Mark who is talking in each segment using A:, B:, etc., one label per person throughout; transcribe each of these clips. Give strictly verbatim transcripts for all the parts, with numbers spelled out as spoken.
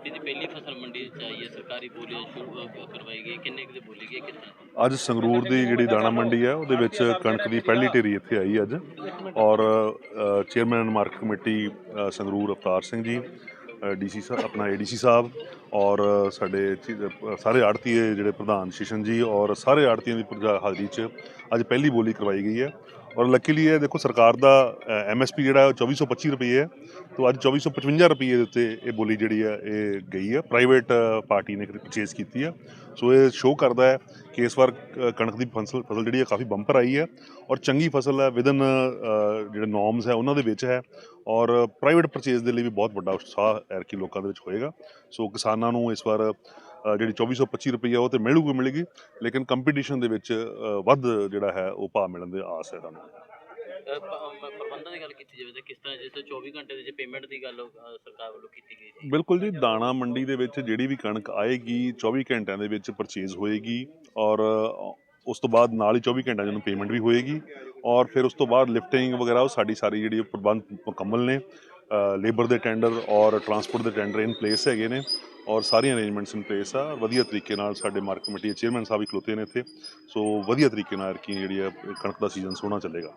A: खेती की पहली फसल मंडी च आई है, सरकारी बोली शुरू अ, करवाई गई, किन्ने की बोली गई किस तरह?
B: ਅੱਜ ਸੰਗਰੂਰ ਦੀ ਜਿਹੜੀ ਦਾਣਾ ਮੰਡੀ ਹੈ ਉਹਦੇ ਵਿੱਚ ਕਣਕ ਦੀ ਪਹਿਲੀ ਢੇਰੀ ਇੱਥੇ ਆਈ ਅੱਜ। ਔਰ ਚੇਅਰਮੈਨ ਮਾਰਕੀਟ ਕਮੇਟੀ ਅ, ਸੰਗਰੂਰ ਅਵਤਾਰ ਸਿੰਘ ਜੀ, ਡੀਸੀ ਸਾਹਿਬ ਆਪਣਾ ਏਡੀਸੀ ਸਾਹਿਬ, ਔਰ ਸਾਡੇ ਚੀ- ਅ, ਸਾਰੇ ਆੜਤੀਏ ਜਿਹੜੇ ਪ੍ਰਧਾਨ ਸ਼ਿਸ਼ਨ ਜੀ, ਔਰ ਸਾਰੇ ਆੜਤੀਆਂ ਦੀ ਪ੍ਰਜਾ ਹਾਜ਼ਰੀ 'ਚ ਅੱਜ ਪਹਿਲੀ ਬੋਲੀ ਕਰਵਾਈ ਗਈ ਹੈ। ਔਰ ਲੱਕੀਲੀ ਇਹ ਦੇਖੋ ਸਰਕਾਰ ਦਾ ਐਮ ਐਸ ਪੀ ਜਿਹੜਾ ਉਹ ਚੌਵੀ ਸੌ ਪੱਚੀ ਰੁਪਏ ਹੈ, ਤੋਂ ਅੱਜ ਚੌਵੀ ਸੌ ਪਚਵੰਜਾ ਰੁਪਏ ਦੇ ਉੱਤੇ ਇਹ ਬੋਲੀ ਜਿਹੜੀ ਹੈ ਇਹ ਗਈ ਹੈ। ਪ੍ਰਾਈਵੇਟ ਪਾਰਟੀ ਨੇ ਪਰਚੇਜ਼ ਕੀਤੀ ਹੈ। ਸੋ ਇਹ ਸ਼ੋਅ ਕਰਦਾ ਹੈ ਕਿ ਇਸ ਵਾਰ ਕ- ਕਣਕ ਦੀ ਫਸਲ ਫਸਲ ਜਿਹੜੀ ਹੈ ਕਾਫੀ ਬੰਪਰ ਆਈ ਹੈ, ਔਰ ਚੰਗੀ ਫਸਲ ਹੈ, ਵਿਦਨ ਜਿਹੜੇ ਨੋਰਮਸ ਹੈ ਉਹਨਾਂ ਦੇ ਵਿੱਚ ਹੈ। ਔਰ ਪ੍ਰਾਈਵੇਟ ਪਰਚੇਜ਼ ਦੇ ਲਈ ਵੀ ਬਹੁਤ ਵੱਡਾ ਉਤਸ਼ਾਹ ਐਰਕੀ ਲੋਕਾਂ ਦੇ ਵਿੱਚ ਹੋਏਗਾ। ਸੋ ਕਿਸਾਨਾਂ ਨੂੰ ਇਸ ਵਾਰ ਅ, ਜਿਹੜੀ ਚੌਵੀ ਸੌ ਪੱਚੀ ਰੁਪਈਆ ਉਹ ਤਾਂ ਮਿਲੂਗੀ ਮਿਲੇਗੀ, ਲੇਕਿਨ ਕੰਪੀਟੀਸ਼ਨ ਦੇ ਵਿੱਚ ਅ, ਵੱਧ ਜਿਹੜਾ ਹੈ ਉਹ ਭਾਅ ਮਿਲਣ ਦੇ ਆਸ ਹੈ ਤੁਹਾਨੂੰ।
A: ਅ, ਪ- ਮ- ਪ੍ਰਬੰਧਾਂ ਦੀ ਗੱਲ ਕੀਤੀ ਜਾਵੇ ਤਾਂ ਕਿਸ ਤਰ੍ਹਾਂ, ਜਿਸ ਤਰ੍ਹਾਂ ਚੌਵੀ ਘੰਟੇ ਦੇ ਜੇ ਪੇਮੈਂਟ ਦੀ ਗੱਲ ਅ, ਸਰਕਾਰ ਵੱਲੋਂ ਕੀਤੀ ਗਈ ਸੀ?
B: ਬਿਲਕੁਲ ਜੀ, ਦਾਣਾ ਮੰਡੀ ਦੇ ਵਿੱਚ ਜਿਹੜੀ ਵੀ ਕਣਕ ਆਏਗੀ ਚੌਵੀ ਘੰਟਿਆਂ ਦੇ ਵਿੱਚ ਪਰਚੇਜ਼ ਹੋਏਗੀ, ਔਰ ਅ, ਉਸ ਤੋਂ ਬਾਅਦ ਨਾਲ ਹੀ ਚੌਵੀ ਘੰਟਿਆਂ 'ਚ ਉਹਨੂੰ ਪੇਮੈਂਟ ਵੀ ਹੋਏਗੀ। ਔਰ ਫਿਰ ਉਸ ਤੋਂ ਬਾਅਦ ਲਿਫਟਿੰਗ ਵਗੈਰਾ ਉਹ ਸਾਡੀ ਸਾਰੀ ਜਿਹੜੀ ਉਹ ਪ੍ਰਬੰਧ ਮੁਕੰਮਲ ਨੇ। ਲੇਬਰ ਦੇ ਟੈਂਡਰ ਔਰ ਟਰਾਂਸਪੋਰਟ ਦੇ ਟੈਂਡਰ ਇਨ ਪਲੇਸ ਹੈਗੇ ਨੇ, ਔਰ ਸਾਰੀਆਂ ਅਰੇਂਜਮੈਂਟਸ ਇਨ ਪਲੇਸ ਆ। ਵਧੀਆ ਤਰੀਕੇ ਨਾਲ ਸਾਡੇ ਮਾਰਕੀਟ ਕਮੇਟੀ ਦੇ ਚੇਅਰਮੈਨ ਸਾਹਿਬ ਵੀ ਖਲੋਤੇ ਨੇ ਇੱਥੇ। ਸੋ ਵਧੀਆ ਤਰੀਕੇ ਨਾਲ ਕੀ ਜਿਹੜੀ ਹੈ ਕਣਕ ਦਾ ਸੀਜ਼ਨ ਸੋਹਣਾ ਚੱਲੇਗਾ।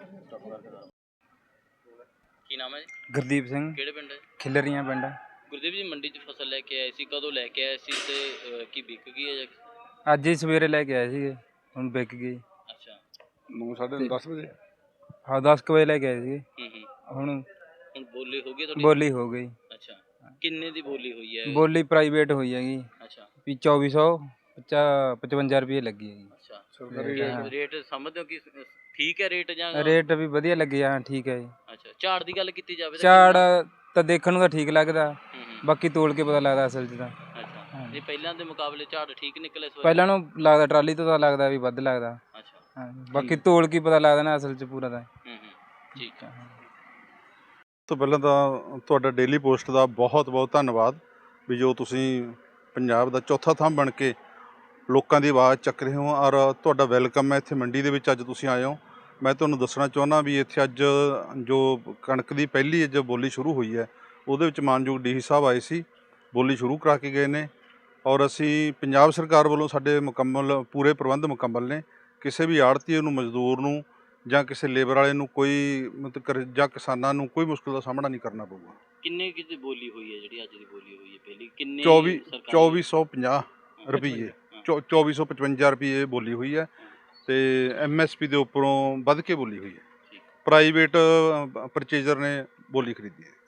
A: ਕੀ ਨਾਮ ਹੈ ਜੀ?
C: ਗੁਰਦੀਪ ਸਿੰਘ,
A: ਕਿਹੜੇ ਪਿੰਡ ਹੈ?
C: ਖਿਲਰੀਆਂ ਪਿੰਡ।
A: ਗੁਰਦੀਪ ਜੀ, ਮੰਡੀ 'ਚ ਫਸਲ ਲੈ ਕੇ ਆਏ ਸੀ, ਕਦੋਂ ਲੈ ਕੇ ਆਏ ਸੀ ਤੇ ਅ, ਕੀ ਵਿਕ ਗਈ ਹੈ ਜਾਂ?
C: ਅੱਜ ਹੀ ਸਵੇਰੇ ਲੈ ਕੇ ਆਏ ਸੀਗੇ, ਹੁਣ ਵਿਕ ਗਈ।
A: ਅੱਛਾ।
D: ਨੌ ਸਾਢੇ ਦਸ ਵਜੇ
C: ਹਾਂ ਦਸ ਕੁ ਵਜੇ ਲੈ ਕੇ ਆਏ ਸੀਗੇ,
A: ਹੂੰ ਹੂੰ।
C: ਹੁਣ
A: ਹੁਣ ਬੋਲੀ ਹੋ ਗਈ ਤੁਹਾਡੀ?
C: ਬੋਲੀ ਹੋ ਗਈ।
A: ਅੱਛਾ, ਕਿੰਨੇ ਦੀ ਬੋਲੀ ਹੋਈ ਹੈ?
C: ਬੋਲੀ ਪ੍ਰਾਈਵੇਟ ਹੋਈ ਹੈਗੀ
A: ਅੱਛਾ
C: ਵੀ ਚੌਵੀ ਸੌ ਪਚਵੰਜਾ ਰੁਪਏ ਲੱਗੀ ਹੈਗੀ।
A: ਅੱਛਾ।
D: ਸਰਕਾਰੀ
C: ਹਾਂ।
A: ਕਿ ਰੇਟ ਸਮਝਦੇ ਹੋ ਕਿ ਠੀਕ ਹੈ ਰੇਟ ਜਾਂ?
C: ਰੇਟ ਵੀ ਵਧੀਆ ਲੱਗੇ ਆ, ਠੀਕ ਹੈ ਜੀ।
A: ਅੱਛਾ, ਝਾੜ ਦੀ ਗੱਲ ਕੀਤੀ ਜਾਵੇ ਤਾਂ
C: ਝਾੜ
A: ਕਿੰਨਾ?
C: ਤਾਂ ਦੇਖਣ ਨੂੰ ਤਾਂ ਠੀਕ ਲੱਗਦਾ,
A: ਹੂੰ ਹੂੰ।
C: ਬਾਕੀ ਤੋਲ ਕੇ ਪਤਾ ਲੱਗਦਾ ਅਸਲ 'ਚ ਤਾਂ।
A: ਅੱਛਾ,
C: ਹਾਂ।
A: ਨਹੀਂ ਪਹਿਲਾਂ ਦੇ ਮੁਕਾਬਲੇ ਝਾੜ ਠੀਕ ਨਿਕਲੇ ਇਸ ਵਾਰ?
C: ਪਹਿਲਾਂ ਨੂੰ ਲੱਗਦਾ ਟਰਾਲੀ ਤੋਂ ਤਾਂ ਲੱਗਦਾ ਵੀ ਵੱਧ ਲੱਗਦਾ।
A: ਅੱਛਾ।
C: ਹਾਂ, ਬਾਕੀ ਤੋਲ ਕੇ ਪਤਾ ਲੱਗਦਾ ਨਾ ਅਸਲ 'ਚ ਪੂਰਾ ਤਾਂ।
A: ਹੂੰ ਹੂੰ, ਠੀਕ ਹੈ।
D: ਤੋਂ ਪਹਿਲਾਂ ਤਾਂ ਤੁਹਾਡਾ ਡੇਲੀ ਪੋਸਟ ਦਾ ਬਹੁਤ ਬਹੁਤ ਧੰਨਵਾਦ ਵੀ ਜੋ ਤੁਸੀਂ ਪੰਜਾਬ ਦਾ ਚੌਥਾ ਥੰਮ ਬਣ ਕੇ ਲੋਕਾਂ ਦੀ ਆਵਾਜ਼ ਚੱਕ ਰਹੇ ਹੋ, ਔਰ ਤੁਹਾਡਾ ਵੈਲਕਮ ਹੈ ਇੱਥੇ ਮੰਡੀ ਦੇ ਵਿੱਚ। ਅੱਜ ਤੁਸੀਂ ਆਏ ਹੋ, ਮੈਂ ਤੁਹਾਨੂੰ ਦੱਸਣਾ ਚਾਹੁੰਦਾ ਵੀ ਇੱਥੇ ਅੱਜ ਜੋ ਕਣਕ ਦੀ ਪਹਿਲੀ ਜੋ ਬੋਲੀ ਸ਼ੁਰੂ ਹੋਈ ਹੈ ਉਹਦੇ ਵਿੱਚ ਮਾਨਯੋਗ ਡੀ ਸੀ ਸਾਹਿਬ ਆਏ ਸੀ, ਬੋਲੀ ਸ਼ੁਰੂ ਕਰਾ ਕੇ ਗਏ ਨੇ। ਔਰ ਅਸੀਂ ਪੰਜਾਬ ਸਰਕਾਰ ਵੱਲੋਂ ਸਾਡੇ ਮੁਕੰਮਲ ਪੂਰੇ ਪ੍ਰਬੰਧ ਮੁਕੰਮਲ ਨੇ। ਕਿਸੇ ਵੀ ਆੜ੍ਹਤੀਏ ਨੂੰ, ਮਜ਼ਦੂਰ ਨੂੰ ਜਾਂ ਕਿਸੇ ਲੇਬਰ ਵਾਲੇ ਨੂੰ ਕੋਈ ਮਤਲਬ ਕਰ- ਜਾਂ ਕਿਸਾਨਾਂ ਨੂੰ ਕੋਈ ਮੁਸ਼ਕਿਲ ਦਾ ਸਾਹਮਣਾ ਨਹੀਂ ਕਰਨਾ ਪਊਗਾ।
A: ਕਿੰਨੇ ਕੀ ਦੀ ਬੋਲੀ ਹੋਈ ਹੈ ਜਿਹੜੀ ਅੱਜ ਦੀ ਬੋਲੀ ਹੋਈ ਹੈ ਪਹਿਲੀ? ਕਿੰਨੇ
D: ਚੌਵੀ
A: ਸਰਕਾਰੀ?
D: ਚੌਵੀ ਸੌ ਪੰਜਾਹ ਰੁਪਈਏ ਚੌ ਚੌਵੀ ਸੌ ਪਚਵੰਜਾ ਰੁਪਈਏ ਬੋਲੀ ਹੋਈ ਹੈ, ਅਤੇ ਐਮ ਐਸ ਪੀ ਦੇ ਉੱਪਰੋਂ ਵੱਧ ਕੇ ਬੋਲੀ ਹੋਈ ਹੈ।
A: ਠੀਕ।
D: ਪ੍ਰਾਈਵੇਟ ਪਰਚੇਜ਼ਰ ਨੇ ਬੋਲੀ ਖਰੀਦੀ ਹੈ।